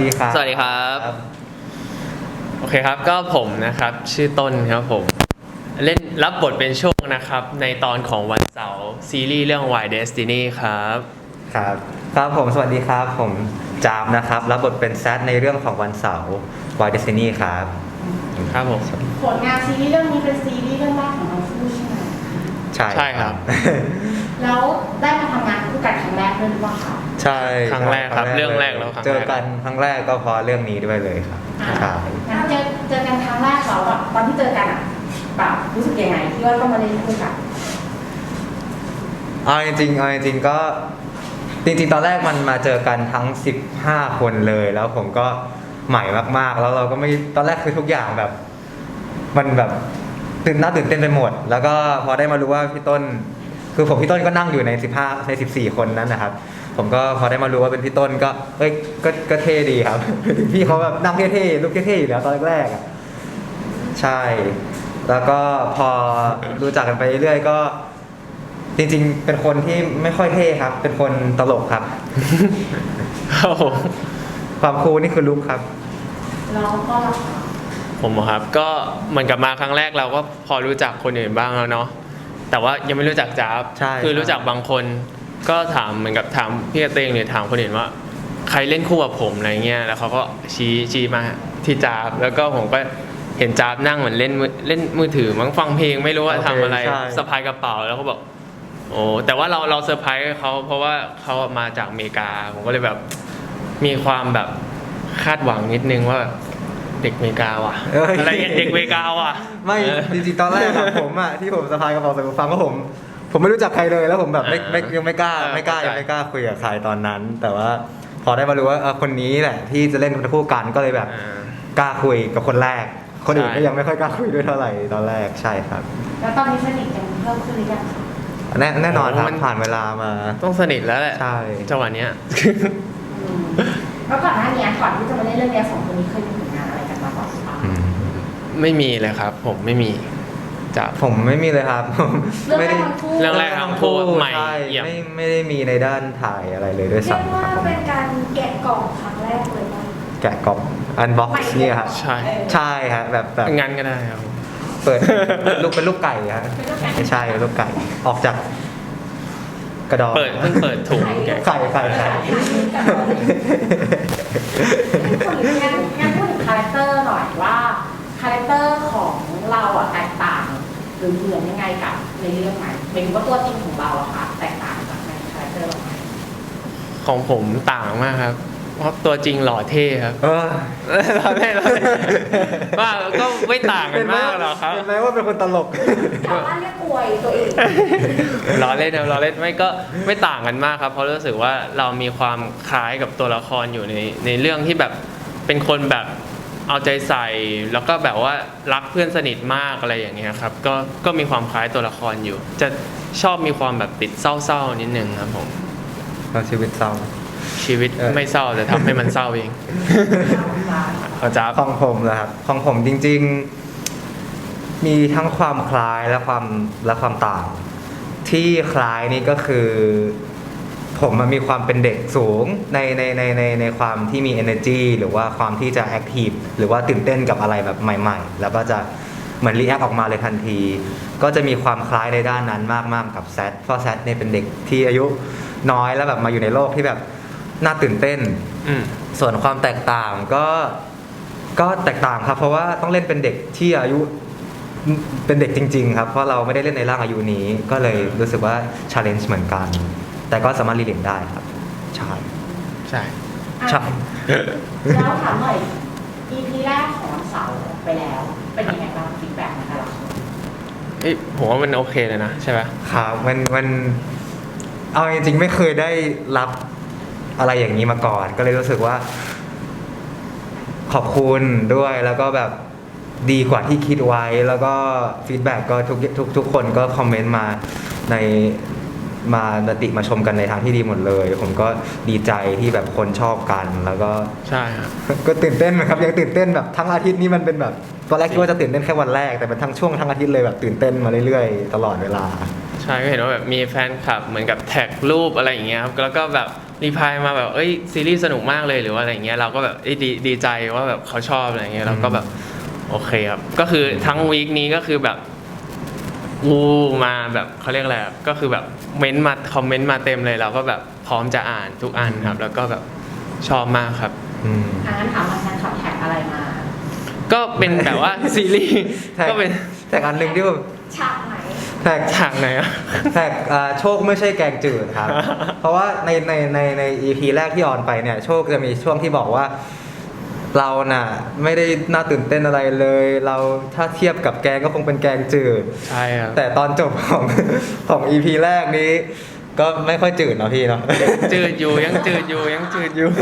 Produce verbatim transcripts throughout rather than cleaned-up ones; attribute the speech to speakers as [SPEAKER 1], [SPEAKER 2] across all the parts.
[SPEAKER 1] ดีครับ
[SPEAKER 2] สวัสดีครับโอเคครับก็ผมนะครับชื่อต้นครับผมเล่นรับบทเป็นโชคนะครับในตอนของวันเสาร์ซีรีส์เรื่อง Why Destiny ครับ
[SPEAKER 1] ครับครับผมสวัสดีครับผมจามนะครับรับบทเป็นแซดในเรื่องของวันเสาร์ Why Destiny ครับ
[SPEAKER 2] ครับผม
[SPEAKER 3] ผลงานซีรีส์เรื่องนี้เป็นซีรีส์เรื่องแรกของเราคู่ใช่ไหม
[SPEAKER 1] ใช่
[SPEAKER 2] ใช่ครับ
[SPEAKER 3] แล้วได้มาทำงานคู่กันครั้งแรกด้วยหรือเปล่าคะ
[SPEAKER 1] ใช่
[SPEAKER 2] ครั้งแรกครับเรื่องแรกแล้วครั้งแรก
[SPEAKER 1] เจอกันครั้งแรกก็เพราะเรื่องนี้ด้วยเลยครับใช่
[SPEAKER 3] งั้นเจอเจอกันครั้งแรกเราแบบตอนที่เจอกันอ่ะแบบรู้สึกยังไงที่ว่าต้องมาเล่นคู่กัน
[SPEAKER 1] เอาจริงๆเอาจริงๆก็จริงๆตอนแรกมันมาเจอกันทั้งสิบห้าคนเลยแล้วผมก็ใหม่มากๆแล้วเราก็ไม่ตอนแรกคือทุกอย่างแบบมันแบบตื่นน่าตื่นเต้นไปหมดแล้วก็พอได้มารู้ว่าพี่ต้นคือผมพี่ต้นก็นั่งอยู่ในสิบห้าในสิบสี่คนนั้นนะครับผมก็พอได้มารู้ว่าเป็นพี่ต้นก็เอ้ยก็ก็เท่ดีครับ พี่เขาแบบนั่งเท่ๆลุกเท่ๆอยู่แล้วตอนแรกๆอ่ะใช่แล้วก็พอรู้จักกันไปเรื่อยๆก็จริงๆเป็นคนที่ไม่ค่อยเท่ครับเป็นคนตลกครับ ความคูลนี่คือลุกครับ
[SPEAKER 3] แล้วก็
[SPEAKER 2] ผมครับก็เหมือนกับมาครั้งแรกเราก็พอรู้จักคนอื่นบ้างแล้วเนาะแต่ว่ายังไม่รู้จักจ๊าบคือรู้จักบางคนก็ถามเหมือนกับถามพี่กระเตงหรือถามคนอื่นว่าใครเล่นคู่กับผมอะไรเงี้ยแล้วเขาก็ชี้ชี้มาที่จ๊าบแล้วก็ผมก็เห็นจ๊าบนั่งเหมือนเล่นเล่นมือถือมั้งฟังเพลงไม่รู้ว่าทำอะไรสะพายกระเป๋าแล้วเขาบอกโอ้แต่ว่าเราเราเซอร์ไพรส์เขาเพราะว่าเขามาจากอเมริกาผมก็เลยแบบมีความแบบคาดหวังนิดนึงว่าเด็กอเมริกาว่ะอะไรเงี้ยเด็กอเมริกาว่ะ
[SPEAKER 1] ไม่จริงๆตอนแรกอะผมอะที่ผมสะพายกระเป๋าใส่หูฟังก็ผมผมไม่รู้จักใครเลยแล้วผมแบบไม่ไม่ยังไม่กล้าไม่กล้ายังไม่กล้าคุยกับใครตอนนั้น แต่ว่าพอได้มารู้ว่าคนนี้แหละที่จะเล่นคู่กันก็เลยแบบกล้าคุยกับคนแรกคนอื่นก็ยังไม่ค่อยกล้าคุยด้วยเท่าไหร่ตอนแรกใช่ครับ
[SPEAKER 3] แล้วตอนนี้สนิทกันเพิ่มขึ้นหรือยัง
[SPEAKER 1] แน่แน่นอนครับผ่านเวลามา
[SPEAKER 2] ต้องสนิทแล้วแหละ
[SPEAKER 1] ใช่
[SPEAKER 2] จังหวะเนี้ย
[SPEAKER 3] แล้วก่อนหน้านี้ก่อนที่จะมาเล่นเรื่องนี้สองคนนี้เคยมีผลงานอะไรกันมาก่อนหรือเปล่า
[SPEAKER 2] ไม่มีเลยครับผมไม่มีจะ
[SPEAKER 1] ผมไม่มีเลยครับ
[SPEAKER 3] ไม่ได้
[SPEAKER 2] เรื่องแรกทั้งคู่ใหม่
[SPEAKER 1] ไม่ไม่ได้มีในด้านถ่ายอะไรเลยด้วยซ้ำครับ
[SPEAKER 3] เรียกว่าเป็นการแกะกล่องครั้งแรกเลยป่ะ
[SPEAKER 1] แกะกล่องอันบ็อกซ์เนี่ยครับ
[SPEAKER 2] ใช่
[SPEAKER 1] ใช่ครับแบบแบบ
[SPEAKER 2] งั้นก็ได้ครับ
[SPEAKER 1] เปิดลูกเป็นลูกไก่ครับไม่ใช่ลูกไก่ออกจากกระดอง
[SPEAKER 2] เปิดเพิ่งเปิดถุง
[SPEAKER 1] ไก่ไก่ไก่
[SPEAKER 3] งั้นงั้นพูดถึงคาแรคเตอร์หน่อยว่าคาแรคเตอร์ของเราอะแตกต่างหรือเหมือนยังไงกับในเรื่องไหนเป็นว่าตัวจริงของเราอะค่ะแตกต่างจากในคาแรคเตอร์เราไหม
[SPEAKER 2] ของผมต่างมากครับเพราะตัวจริงหล่อเท่ครับ
[SPEAKER 1] เออ
[SPEAKER 2] เราเท่เราว่าก็ไม่ต่างกันมากหรอกครับ
[SPEAKER 1] เป็นไหมว่าเป็นคนตลก
[SPEAKER 3] ชาวบ้านเรียกอวยตัวเอง
[SPEAKER 2] ล้อเล่นนะล้อเล่นไม่ก็ไม่ต่างกันมากครับเพราะรู้สึกว่าเรามีความคล้ายกับตัวละครอยู่ในในเรื่องที่แบบเป็นคนแบบเอาใจใส่แล้วก็แบบว่ารักเพื่อนสนิทมากอะไรอย่างเงี้ยครับก็ก็มีความคล้ายตัวละครอยู่จะชอบมีความแบบติดเศร้าๆนิดนึงครับผม
[SPEAKER 1] เราชีวิตเศร้า
[SPEAKER 2] ชีวิตไม่เศร้าแต่ทำให้มันเศร้าเองเขาจะ
[SPEAKER 1] ของผมนะครับของผมจริงๆมีทั้งความคล้ายและความและความต่างที่คล้ายนี่ก็คือผมมันมีความเป็นเด็กสูงในในในในในความที่มี energy หรือว่าความที่จะ active หรือว่าตื่นเต้นกับอะไรแบบใหม่ๆแล้วก็จะเหมือน react ออกมาเลยทันทีก็จะมีความคล้ายในด้านนั้นมากๆกับแซดเพราะแซดเนี่ยเป็นเด็กที่อายุน้อยแล้วแบบมาอยู่ในโลกที่แบบน่าตื่นเต้นส่วนความแตกต่างก็ก็แตกต่างครับเพราะว่าต้องเล่นเป็นเด็กที่อายุเป็นเด็กจริงๆครับเพราะเราไม่ได้เล่นในร่างอายุนี้ก็เลยรู้สึกว่า challenge เหมือนกันแต่ก็สามารถรีเลทได้ครับใช่
[SPEAKER 2] ใช่
[SPEAKER 1] ใช่
[SPEAKER 3] แล้วถามหน่อย อี พี แรกของวันเสาร์ไปแล้วเป็นยังไงบ้างฟีดแบ็กในแต่ละคน
[SPEAKER 2] เอ้ยผมว่ามันโอเคเลยนะใช่ไหม
[SPEAKER 1] ครับมันมันเอาจริงๆไม่เคยได้รับอะไรอย่างนี้มาก่อนก็เลยรู้สึกว่าขอบคุณด้วยแล้วก็แบบดีกว่าที่คิดไว้แล้วก็ฟีดแบ็กก็ทุกทุกทุกคนก็คอมเมนต์มาในมาติมาชมกันในทางที่ดีหมดเลยผมก็ดีใจที่แบบคนชอบกันแล้วก็
[SPEAKER 2] ใช่ครับ
[SPEAKER 1] ก็ตื่นเต้นนะครับยังตื่นเต้นแบบทั้งอาทิตย์นี้มันเป็นแบบตอนแรกคิดว่าจะตื่นเต้นแค่วันแรกแต่เป็นทั้งช่วงทั้งอาทิตย์เลยแบบตื่นเต้นมาเรื่อยๆตลอดเวลา
[SPEAKER 2] ใช่ก็เห็นว่าแบบมีแฟนคลับเหมือนกับแท็กรูปอะไรอย่างเงี้ยครับแล้วก็แบบรีพลายมาแบบเอ้ยซีรีส์สนุกมากเลยหรือว่าอะไรเงี้ยเราก็แบบเอ้ยดีดีใจว่าแบบเขาชอบอะไรเงี้ยเราก็แบบโอเคครับก็คือทั้งวีคนี้ก็คือแบบวูมาแบบเขาเรียกอะไรอะก็คือแบบเม้นต์มาคอมเมนต์มาเต็มเลยเราก็แบบพร้อมจะอ่านทุกอันครับแล้วก็แบบชอบมากครับ
[SPEAKER 1] อืม
[SPEAKER 3] อันนั้นถามมาแทนขับแท็กอะไรมา
[SPEAKER 2] ก็เป็นแบบว่าซีรีส์
[SPEAKER 1] แท็ก
[SPEAKER 2] ก็เป็น
[SPEAKER 1] แท็กอันหนึ่งที่แบบ
[SPEAKER 3] ฉากไหน
[SPEAKER 1] แท็ก
[SPEAKER 2] ฉากไหนอะ
[SPEAKER 1] แท็กอ่าโชคไม่ใช่แกงจืดครับ เพราะว่าในในในใน อี พี แรกที่ออนไปเนี่ยโชคจะมีช่วงที่บอกว่า เราน่ะไม่ได้น่าตื่นเต้นอะไรเลย เราถ้าเทียบกับแกงก็คงเป็นแกงจืด
[SPEAKER 2] ใช่ครับ
[SPEAKER 1] แต่ตอนจบของ ของ อี พี แรกนี้ ก็ไม่ค่อยจืดเนาะพี่เนาะ
[SPEAKER 2] จืดอยู่ยังจืดอยู่ยังจืดอยู่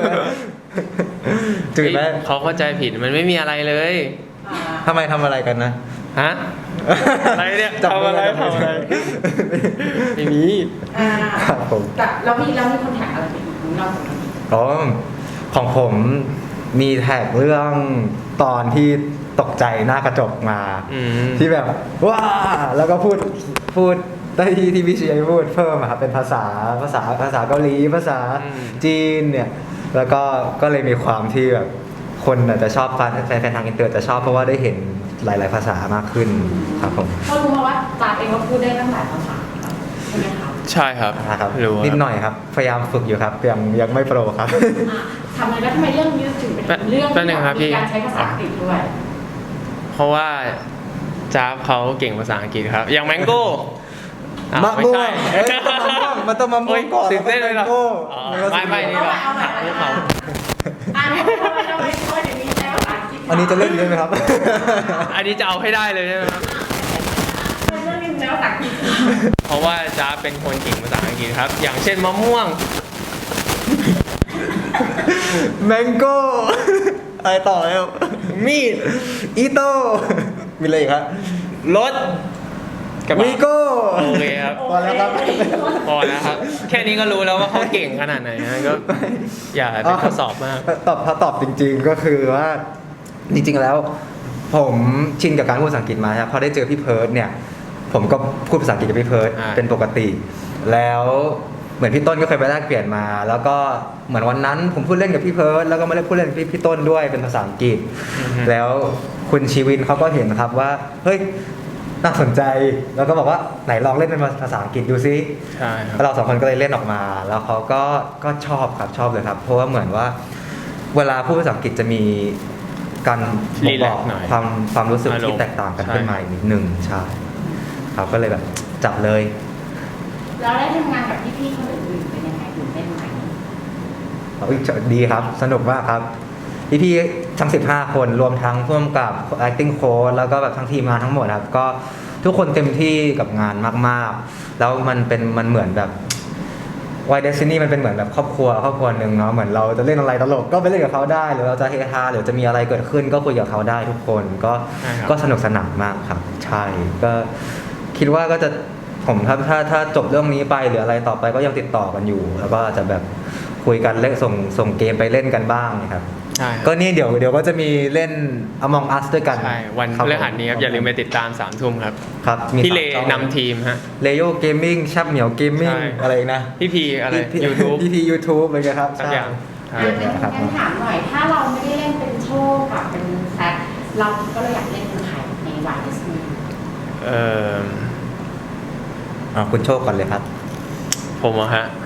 [SPEAKER 1] จืดไหม
[SPEAKER 2] เฮ้ยเขาเข้าใจผิดมันไม่มีอะไรเลย
[SPEAKER 3] อ่า
[SPEAKER 1] ทำไมทำอะไรกันนะ
[SPEAKER 2] ฮะ อะไรเนี่ย
[SPEAKER 1] จับมื
[SPEAKER 2] ทำอะไร
[SPEAKER 1] จับมื
[SPEAKER 2] ทำอะไรไม่มี
[SPEAKER 3] อ่า
[SPEAKER 1] ครับผม
[SPEAKER 3] แต่แล้วมีแล้วมีคนแท็กอะไรไปอีกนอกจากนี้
[SPEAKER 1] อ๋อของผมมีแท็กเรื่องตอนที่ตกใจหน้ากระจกมา
[SPEAKER 2] อืม
[SPEAKER 1] ที่แบบว้าแล้วก็พูดพูดได้ที่ที่พี่เชียร์พูดเพิ่มอะครับเป็นภาษาภาษาภาษาเกาหลีภาษา
[SPEAKER 2] อืม
[SPEAKER 1] จีนเนี่ยแล้วก็ก็เลยมีความที่แบบคนอาจจะชอบแฟนแฟนทางอินเตอร์จะชอบเพราะว่าได้เห็นหลาย ๆ ภาษามากขึ้นครับผม
[SPEAKER 3] ก็รู้มาว่าจาเองก็พูดได้ตั้งหลายภาษาครับใช่ไหมครับ
[SPEAKER 2] ใช่ครับ
[SPEAKER 1] นะครับ
[SPEAKER 2] รู้
[SPEAKER 1] นิด
[SPEAKER 2] ครับ
[SPEAKER 1] หน่อยครับพยายามฝึกอยู่ครับยังยังไม่โปรครับ
[SPEAKER 3] อ่ะทำไมแล้วทำไมเรื่องนี้ถึงเป็นเรื่อง
[SPEAKER 2] แป๊บนึงครับพี่
[SPEAKER 3] มีการใช้ภาษาอังกฤษด้วย
[SPEAKER 2] เพราะว่าจ้าบเขาเก่งภาษาอังกฤษครับ อย่างแมงโก้อ้าว
[SPEAKER 1] มะ
[SPEAKER 2] ไม่
[SPEAKER 1] ม่ว
[SPEAKER 2] ใช่
[SPEAKER 1] งเอ้ยมันต้องมะม่วงมันต้องมะม่วงก่อน
[SPEAKER 2] โยตื่นเต้นเลยเหรอ
[SPEAKER 1] แล้วก็
[SPEAKER 2] อ๋อ
[SPEAKER 1] แมงโก้
[SPEAKER 2] ไม่ไม่นี่เรา
[SPEAKER 3] เอาใหม่
[SPEAKER 2] หัก
[SPEAKER 3] เอาใหม่
[SPEAKER 2] ภูเขา
[SPEAKER 3] อ่านทำไมทำไมทำไมถึงมีใช้ภาษาอังกฤษ
[SPEAKER 1] อันนี้จะเล่นได้ไหมครับ
[SPEAKER 2] อันนี้จะเอาให้ได้เลยใช่ไหมครับ
[SPEAKER 3] เรื่องนี้ใช้ภาษาอังกฤษ
[SPEAKER 2] เพราะว่าจ้าบเป็นคนเก่งภาษาอังกฤษครับ อย่างเช่นมะม่วง
[SPEAKER 1] แมงโก้อะไรต่อแล้ว
[SPEAKER 2] มีด
[SPEAKER 1] อีโต้มีอะไรอีกครับ
[SPEAKER 2] รถกระบะ
[SPEAKER 1] วีโก้
[SPEAKER 2] โอเคครับ
[SPEAKER 1] พอแล้วครับ
[SPEAKER 2] พอแล้วครับ แค่นี้ก็รู้แล้วว่าเขาเก่งขนาดไหนนะก็อย่าไปทดสอบมาก
[SPEAKER 1] ตอบถ้าตอบจริง ๆก็คือว่าจริง ๆ แล้ว ผมชินกับการพูดภาษาอังกฤษมาครับพอได้เจอพี่เพิร์ดเนี่ย ผมก็พูดภาษาอังกฤษกับพี่เพิร์ด
[SPEAKER 2] อ่า
[SPEAKER 1] เป็นปกติ แล้วเหมือนพี่ต้นก็เคยไปแลกเปลี่ยนมา แล้วก็เหมือนวันนั้นผมพูดเล่นกับพี่เพิร์ดแล้วก็ไม่ได้พูดเล่นกับพี่พี่ต้นด้วยเป็นภาษาอังกฤษ แล้วคุณชีวินเขาก็เห็นครับว่าเฮ้ยน่าสนใจแล้วก็บอกว่าไหนลองเล่นเป็นภาษาอังกฤษดูซิ
[SPEAKER 2] ใช่ครับ
[SPEAKER 1] แล้วเราสองคนก็เลยเล่นออกมา แล้วเขาก็ก็ชอบครับชอบเลยครับ เพราะว่าเหมือนว่า เวลาพูดภาษาอังกฤษจะมีการบ่งบอก
[SPEAKER 2] รีแลกซ์หน่อย
[SPEAKER 1] ความความรู้สึก
[SPEAKER 2] อารมณ์
[SPEAKER 1] ที่แตกต่างกัน
[SPEAKER 2] ใช่
[SPEAKER 1] ขึ้นมาอีกนิดนึงใช่ครับก็เลยแบบจับเลย
[SPEAKER 3] แล้วได้ทำงานกับพี่ๆคนอื่นๆเป็นยังไงตื่นเต้นไหม
[SPEAKER 1] เอาอีกดีครับ สนุกมากครับ พี่พี่ๆทั้งสิบห้าคนรวมทั้งร่วมกับ acting coach แล้วก็แบบทั้งทีมงานทั้งหมดครับ ก็ทุกคนเต็มที่กับงานมากๆ แล้วมันเป็นมันเหมือนแบบวายเดซินี่มันเป็นเหมือนแบบครอบครัวครอบครัวหนึ่งเนาะเหมือนเราจะเล่นอะไรตลกก็ไปเล่นกับเขาได้ หรือเราจะเฮฮาหรือจะมีอะไรเกิดขึ้นก็คุยกับเขาได้ทุกคนก็
[SPEAKER 2] ใช่ครับ
[SPEAKER 1] ก็สนุกสนานมากครับ ใช่ก็คิดว่าก็จะผมถ้าถ้าถ้าจบเรื่องนี้ไปหรืออะไรต่อไปก็ยังติดต่อกันอยู่ แล้วก็จะแบบคุยกันเล่นส่งส่งเกมไปเล่นกันบ้างนะครับ
[SPEAKER 2] ใช่ครับ
[SPEAKER 1] ก็นี่เดี๋ยวเดี๋ยวก็จะมีเล่น Among Us ด้วยกัน
[SPEAKER 2] ใช่วัน
[SPEAKER 1] คบ
[SPEAKER 2] พฤหัสนี้ครับอย่าลืมไปติดตามสามทุ่มครับ
[SPEAKER 1] ครับมี
[SPEAKER 2] พี่เล
[SPEAKER 1] สามช่อง
[SPEAKER 2] นำทีมฮะ
[SPEAKER 1] เลโยเกมมิ่งชับเหมียวเกมมิ่ง
[SPEAKER 2] ใช่
[SPEAKER 1] อะไรอีกนะ
[SPEAKER 2] พี่พีอะไร
[SPEAKER 1] พี่
[SPEAKER 2] ยูทูบ
[SPEAKER 1] พี่พียูทูบอะไรเงี้ยครับ
[SPEAKER 2] สักอย่าง
[SPEAKER 1] ใช่
[SPEAKER 3] อ่ะเป็น
[SPEAKER 1] ครับ
[SPEAKER 3] งั้นถามหน่อย ถ้าเราไม่ได้เล่นเป็นโชคกับเป็นแซคเราก็เลยอยากเล่นเป็นใครในวายดิสนีย์
[SPEAKER 2] เออ
[SPEAKER 1] อ่าคุณโชคก่อนเลยครับ
[SPEAKER 2] ผมอะฮะ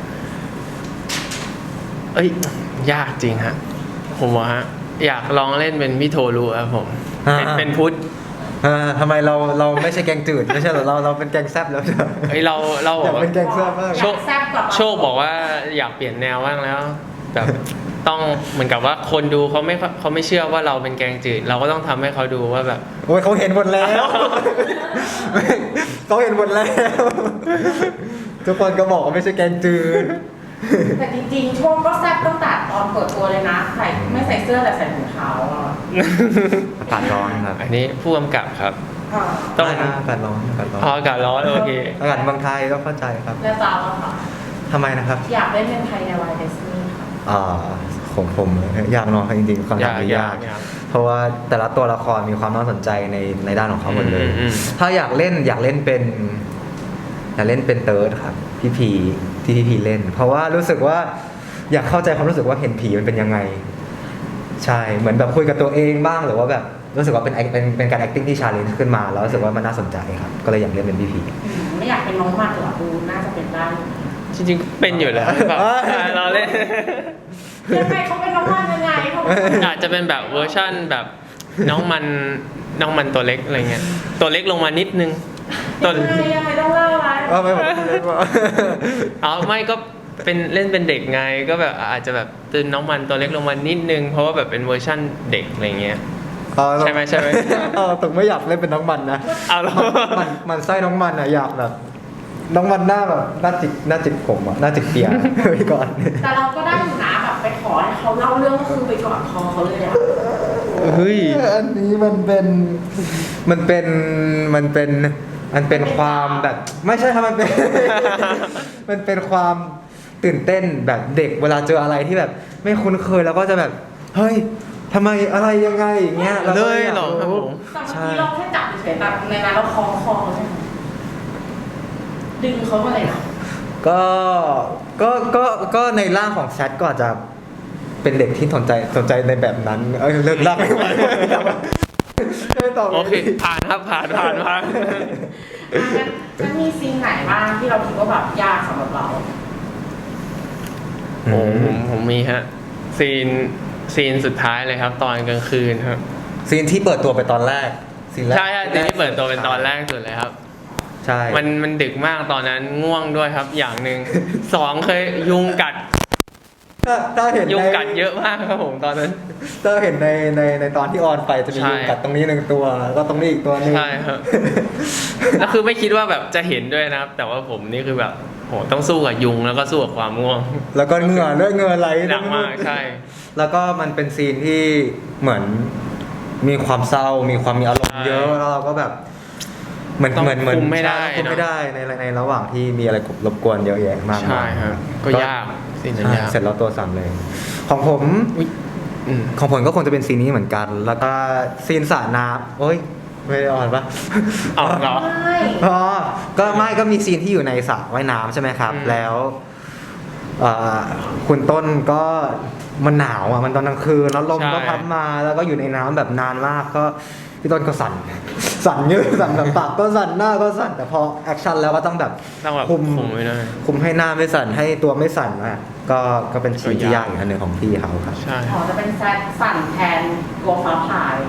[SPEAKER 2] เอ้ย ยากจริงฮะ ผมอะฮะ อยากลองเล่นเป็นพี่โทรูครับผม
[SPEAKER 1] อ่า
[SPEAKER 2] เป็นเป็นพุทธ
[SPEAKER 1] อ่าทำไมเราเราไม่ใช่แกงจืดไม่ใช่เหรอเราเราเป็นแกงแซ่บแล้วใช่ไหม
[SPEAKER 2] เฮ้ยเราเราบ
[SPEAKER 1] อ
[SPEAKER 2] อก
[SPEAKER 1] ยาก
[SPEAKER 2] ว่า
[SPEAKER 1] เป็นแกงแซ่บมาก
[SPEAKER 2] โชค
[SPEAKER 3] แซ่บกว่า
[SPEAKER 2] โชคบอกว่าอยากเปลี่ยนแนวบ้างแล้วแบบต้องเหมือนกับว่าคนดูเขาไม่เขาไม่เชื่อว่าเราเป็นแกงจืด เราก็ต้องทำให้เขาดูว่าแบบ
[SPEAKER 1] โอ้ยเขาเห็นหมดแล้ว เขาเห็นหมดแล้ว ทุกคนก็บอกว่าไม่ใช่แกงจืด
[SPEAKER 3] แต่จริงๆโชคก็แซ่บตั้งแต่ตอนเปิดตัวเลยนะใส่ไม่ใส่เสื้อแต่ใส่ถุงเท้าอ่ะ
[SPEAKER 1] อากาศร้อนครับ
[SPEAKER 2] อันนี้ผู้กำกับครับ
[SPEAKER 3] อ่า
[SPEAKER 2] ต้อง
[SPEAKER 1] ได้นะอากาศร้อนอากาศร้อน
[SPEAKER 2] พออากาศร้อนโอเค
[SPEAKER 1] อากาศเมืองไทยก็เข้าใจครับ
[SPEAKER 3] แล้วจ้าแล้วค่ะ
[SPEAKER 1] ทำไมนะครับ
[SPEAKER 3] อยากเล่นเป็นใครในวายดิสนีย์ค่ะ
[SPEAKER 1] อ่าของผมยากเนอะจริงๆความ
[SPEAKER 2] ยาก
[SPEAKER 1] นี้
[SPEAKER 2] ยากยาก
[SPEAKER 1] เพราะว่าแต่ละตัวละครมีความน่าสนใจในในด้านของเขาหมดเลย
[SPEAKER 2] อืมอืม
[SPEAKER 1] ถ้าอยากเล่นอยากเล่นเป็นอยากเล่นเป็นเติร์ดครับพี่พีทที่พี่พีเล่น เพราะว่ารู้สึกว่าอยากเข้าใจความรู้สึกว่าเห็นผีมันเป็นยังไงใช่เหมือนแบบคุยกับตัวเองบ้างหรือว่าแบบรู้สึกว่าเป็นเป็นเป็นการ acting ที่ challenge ขึ้นมาแล้วรู้สึกว่ามันน่าสนใจครับก็เลยอยากเล่นเป็นพี่พี
[SPEAKER 3] อืมไม่อยากเป็นน้องมันหรอดูน่าจะเป็นได้
[SPEAKER 2] จริงๆเป็นอยู่แล้วแบบเราเล่น
[SPEAKER 3] ยังไงเขาเป็นน้องมันยังไงเขา
[SPEAKER 2] อาจจะเป็นแบบเวอร์ชั่นแบบน้องมันน้องมันตัวเล็กอะไรเงี้ยตัวเล็กลงมานิดนึงตัว
[SPEAKER 3] ยังไงยังไงต้องเล่าอะไร
[SPEAKER 1] เออไม่บอกพี่เล่นว่า
[SPEAKER 2] เอาไม่ก็เป็นเล่นเป็นเด็กไงก็แบบอาจจะแบบตื่นน้องมันตัวเล็กลงมานิดนึงเพราะว่าแบบเป็นเวอร์ชั่นเด็กอะไรเงี้ย ใช่ไหมใช่ไหม
[SPEAKER 1] เออตึงไม่อยากเล่นเป็นน้องมันนะ
[SPEAKER 2] เอาเหรอ
[SPEAKER 1] มันมันไส้น้องมันอะอยากแบบ น้องมันหน้าแบบหน้าจิกหน้าจิกผมอะหน้าจิกเปียไปก่อน
[SPEAKER 3] แต่เราก็ได้อยู่นะแบบไปขอให้เขาเล่าเรื่องก็คือไปกอดคอเขาเลยอะ
[SPEAKER 2] เฮ้ย
[SPEAKER 1] อันนี้มันเป็นมันเป็นมันเป็นมันเป็นความแบบ ไม่ใช่ครับมันเป็น มันเป็นความตื่นเต้นแบบเด็กเวลาเจออะไรที่แบบ ไม่คุ้นเคยแล้วก็จะแบบเฮ้ยทำไมอะไรยังไงอย่างเงี้ยราก็
[SPEAKER 2] เลยเหรอครับผม
[SPEAKER 3] แต่เมื่อกี้เราแค่จับเฉยๆแบบในนั้นเราคล้องคอเขาใช่ไหมดึงเขามาเลยเหรอ
[SPEAKER 1] ก็ก็ก็ก็ในร่างของแชทก็อาจจะเป็นเด็กที่สนใจสนใจในแบบนั้นเอ้ยเลิกลากไม่ไหวไม่ตอบ
[SPEAKER 2] โอเคผ่านครับผ่านผ่านผ่าน
[SPEAKER 3] อ่ะงั้นงั้นมีซีนไหนบ้างที่เราคิดว่าแบบยากสำหรับเรา
[SPEAKER 2] โอ้ผมผมมีฮะซีนซีนสุดท้ายเลยครับ ตอนกลางคืนครับ
[SPEAKER 1] ซีนที่เปิดตัวไปตอนแรกซีนแรก
[SPEAKER 2] ใช่ใช่ซีนที่เปิดตัวเป็นตอนแรกสุดเลยครับ
[SPEAKER 1] ใช่
[SPEAKER 2] มันมันดึกมากตอนนั้นง่วงด้วยครับ อย่างหนึ่ง สองเคยยุงกัด
[SPEAKER 1] ถ้าถ้าเห็น
[SPEAKER 2] ยุง
[SPEAKER 1] ใน
[SPEAKER 2] กัดเยอะมากครับผมตอนนั้น
[SPEAKER 1] ถ้าเห็นในในในตอนที่ออนไปจะมี
[SPEAKER 2] ใช่
[SPEAKER 1] ยุงกัดตรงนี้หนึ่งตัวแล้วก็ตรงนี้อีกตัวหนึง
[SPEAKER 2] ใช่ครับ แล้วคือไม่คิดว่าแบบจะเห็นด้วยนะครับ แต่ว่าผมนี่คือแบบโหต้องสู้กับยุงแล้วก็สู้กับความง่วง
[SPEAKER 1] แล้วก็เหงื่อด้วยเหงื่อไหล
[SPEAKER 2] หนักมากใช่
[SPEAKER 1] แล้วก็มันเป็นซีนที่เหมือนมีความเศร้า มีความมีอารมณ์เยอะแล้วเราก็แบบเหมือน
[SPEAKER 2] ต้อง
[SPEAKER 1] เหมือนเหมือน
[SPEAKER 2] คุมไม่ได้
[SPEAKER 1] คุมไม่
[SPEAKER 2] เนอะ
[SPEAKER 1] ได้ในในระหว่างที่มีอะไรรบกวนเยอะแยะมาก
[SPEAKER 2] ใช่
[SPEAKER 1] มาย
[SPEAKER 2] ครับก็ยากซีนนั้น
[SPEAKER 1] ใช่
[SPEAKER 2] ยาก
[SPEAKER 1] เสร็จแล้วตัวสั่นเลย ของผม
[SPEAKER 2] อุ๊ยอืม
[SPEAKER 1] ของผมก็คงจะเป็นซีนนี้เหมือนกัน แล้วก็ซีนสระน้ำโอ้ยไม่ได้อ่อนปะ
[SPEAKER 2] เอาเหรอ
[SPEAKER 3] ไม่
[SPEAKER 1] อ๋อก็ไม่ก็มีซีนที่อยู่ในสระว่ายน้ำใช่ไหมครับ
[SPEAKER 2] อืม
[SPEAKER 1] แล้วเอ่อคุณต้นก็มันหนาวอ่ะมันตอนกลางคืนแล้วลมก็พัดมาแล้วก็อยู่ในน้ำแบบนานมากก็พี่ต้นก็สั่น สั่นเยอะสั่นแบบปากก็สั่นหน้าก็สั่นแต่พอแอคชั่นแล้วก็ต้องแบบ
[SPEAKER 2] ต้องแบบ
[SPEAKER 1] คุม
[SPEAKER 2] คุมไว้หน่อย
[SPEAKER 1] คุมให้หน้าไม่สั่นให้ตัวไม่สั่นอ่ะก็ก็เป็นซีนที่ยากอีกอันหนึ่งของพี่เขาครับ
[SPEAKER 2] ใช่
[SPEAKER 3] อ๋อจะเป็นแซดสั่นแทนตัวฟ้าผ่าเลย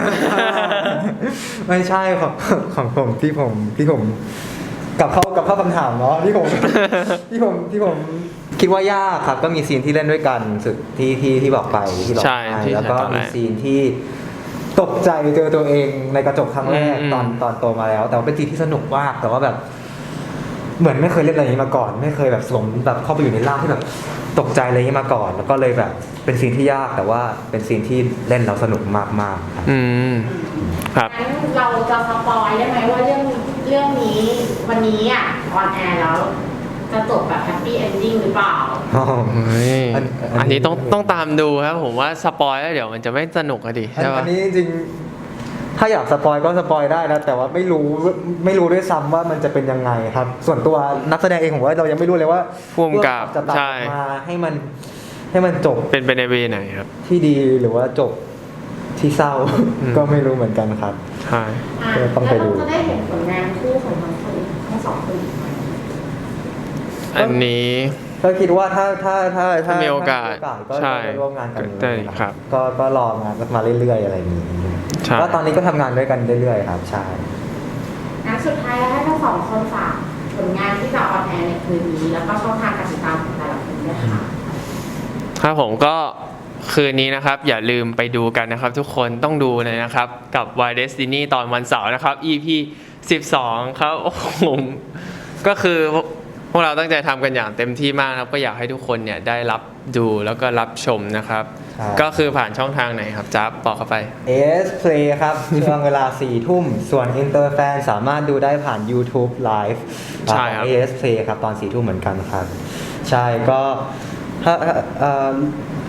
[SPEAKER 1] ไม่ใช่ของของผมที่ผมที่ผมกลับเข้ากับเข้าคำถามเนาะที่ผม ที่ผมที่ผมคิดว่ายากครับ ก็มีซีนที่เล่นด้วยกันสุดที่ที่ที่บอกไปที่บอก
[SPEAKER 2] ใช่
[SPEAKER 1] ไป
[SPEAKER 2] ที่
[SPEAKER 1] แล้วก็
[SPEAKER 2] ตอนแร
[SPEAKER 1] มี
[SPEAKER 2] ก
[SPEAKER 1] ซีนที่ตกใจเจอตัวเองในกระจกครั้งแรก
[SPEAKER 2] อืม
[SPEAKER 1] ตอนตอนโตมาแล้ว แต่ว่าเป็นซีนที่สนุกมากแต่ว่าแบบ เหมือนไม่เคยเล่นอะไรอย่างนี้มาก่อน ไม่เคยแบบสวมแบบเข้าไปอยู่ในร่างที่แบบตกใจอะไรอย่างนี้มาก่อน แล้วก็เลยแบบเป็นซีนที่ยากแต่ว่าเป็นซีนที่เล่นแล้วสนุกมากๆครับ
[SPEAKER 2] อืมครับ
[SPEAKER 3] งั้นเราจะสปอยได้ไหมว่าเรื่องเรื่องนี้วันนี้อ่ะออนแอร์แล้ว จะจบแบบแฮปปี้เอนดิ้งหรือเปล่า
[SPEAKER 2] เฮ้ย
[SPEAKER 1] อันอัน
[SPEAKER 2] อันนี้ต้องต้องตามดูครับผมว่าสปอยแล้วเดี๋ยวมันจะไม่สนุกอะดิ
[SPEAKER 1] อัน
[SPEAKER 2] ใช่
[SPEAKER 1] อั
[SPEAKER 2] ปะ
[SPEAKER 1] นนี้จริงๆถ้าอยากสปอยก็สปอยได้นะแต่ว่าไม่รู้ไม่รู้ด้วยซ้ำว่ามันจะเป็นยังไงครับ ส่วนตัวนักแสดงเองผมว่าเรายังไม่รู้เลยว่า
[SPEAKER 2] ภูมิกับ
[SPEAKER 1] จะตัด
[SPEAKER 2] ใช่
[SPEAKER 1] มาให้มันให้มันจบ
[SPEAKER 2] เป็นไปในเวไหนครับ
[SPEAKER 1] ที่ดีหรือว่าจบที่เศร้า
[SPEAKER 2] อืม
[SPEAKER 1] ก็ไม่รู้เหมือนกันครับ
[SPEAKER 2] ใช่
[SPEAKER 3] อ่ะ
[SPEAKER 1] ก็ต้องไปดู
[SPEAKER 3] แล้วเราจะได้เห็นผลงานคู่ของทั้งคนทั้งสองคนอีกไหม
[SPEAKER 2] อันนี้
[SPEAKER 1] ก็คิดว่าถ้าถ้าถ้า
[SPEAKER 2] ถ้ามีโอกาส
[SPEAKER 1] ถ้มีโอกาสก็
[SPEAKER 2] ใช่
[SPEAKER 1] จะร่วมงานกัน
[SPEAKER 2] ได้ครับ
[SPEAKER 1] ก็ก็รองานมาเรื่อยๆอะไรอย่างนี้
[SPEAKER 2] ใช่
[SPEAKER 1] ก็ตอนนี้ก็ทำงานด้วยกันเรื่อยๆครับใช่
[SPEAKER 3] งั้นสุดท้ายแล้วให้ทั้งสองคนฝากผลงานที่จะออนแอร์ในคืนนี้ แล้วก็ช่องทางการติดตามของแต่ละคนด้วยค่ะ
[SPEAKER 2] ครับผมก็คืนนี้นะครับ อย่าลืมไปดูกันนะครับ ทุกคนต้องดูเลยนะครับ กับ Why Destiny ตอนวันเสาร์นะครับ อี พี สิบสองครับโอ้โหก็คือพวกเราตั้งใจทำกันอย่างเต็มที่มากนะครับ ก็อยากให้ทุกคนเนี่ยได้รับดูแล้วก็รับชมนะครับ
[SPEAKER 1] ครับ
[SPEAKER 2] ก็คือผ่านช่องทางไหนครับจ๊าบบอกเข้าไป
[SPEAKER 1] เอส Play ครับ ช่วงเวลาสี่ทุ่ม ส่วน Interfan สามารถดูได้ผ่าน YouTube Live
[SPEAKER 2] ใช่ครับ
[SPEAKER 1] เอส Play ครับ ตอนสี่ทุ่มเหมือนกันครับ ใช่ก็ถ้าเอ่อ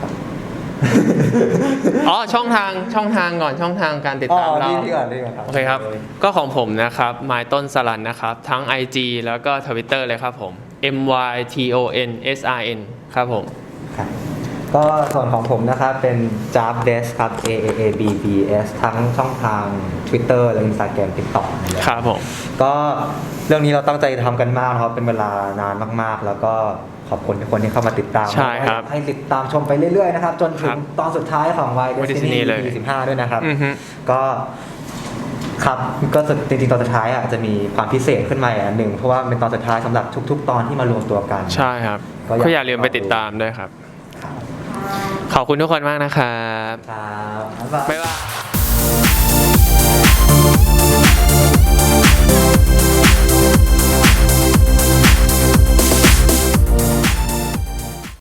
[SPEAKER 2] อ๋อช่องทางช่องทางก่อนช่องทางการติด
[SPEAKER 1] อ๋อ
[SPEAKER 2] ตามเรา
[SPEAKER 1] ที่ที่ก่อนที่ก่อนครับ
[SPEAKER 2] โอเคครับ ก็ของผมนะครับไมต้นสลันนะครับ ทั้ง ไอ จี แล้วก็ ทวิตเตอร์ เลยครับผม M Y T O N S R N ครับผม
[SPEAKER 1] ครับก็ส่วนของผมนะครับเป็น Jab Des ครับ A A A B B S ทั้งช่องทาง Twitter และ Instagram TikTok นะครับ
[SPEAKER 2] ครับผม
[SPEAKER 1] ก็เรื่องนี้เราตั้งใจทำกันมากนะครับเป็นเวลานานมากๆ แล้วก็ขอบคุณทุกคนที่เข้ามาติดตาม
[SPEAKER 2] ใช่ครับ
[SPEAKER 1] ให้ติดตามชมไปเรื่อยๆนะครับจนถึ
[SPEAKER 2] ครั
[SPEAKER 1] ง
[SPEAKER 2] บ
[SPEAKER 1] ตอนสุดท้ายของ Y
[SPEAKER 2] Destiny
[SPEAKER 1] Destiny
[SPEAKER 2] เลย
[SPEAKER 1] อี พี สิบห้าด้วยนะครับ
[SPEAKER 2] อือฮึ
[SPEAKER 1] ก็ครับก็จริงๆตอนสุดท้ายอ่ะจะมีความพิเศษขึ้นมาอีกอันหนึ่งเพราะว่าเป็นตอนสุดท้ายสำหรับทุก ๆ ตอนที่มารวมตัวกัน
[SPEAKER 2] ใช่ครับ
[SPEAKER 1] ก็อยาก
[SPEAKER 2] ก็อย่าลืมไปติดตามด้วยครับ ขอบคุณทุกคนมากนะครับ
[SPEAKER 1] ครับบ๊ายบาย
[SPEAKER 2] บ๊ายบาย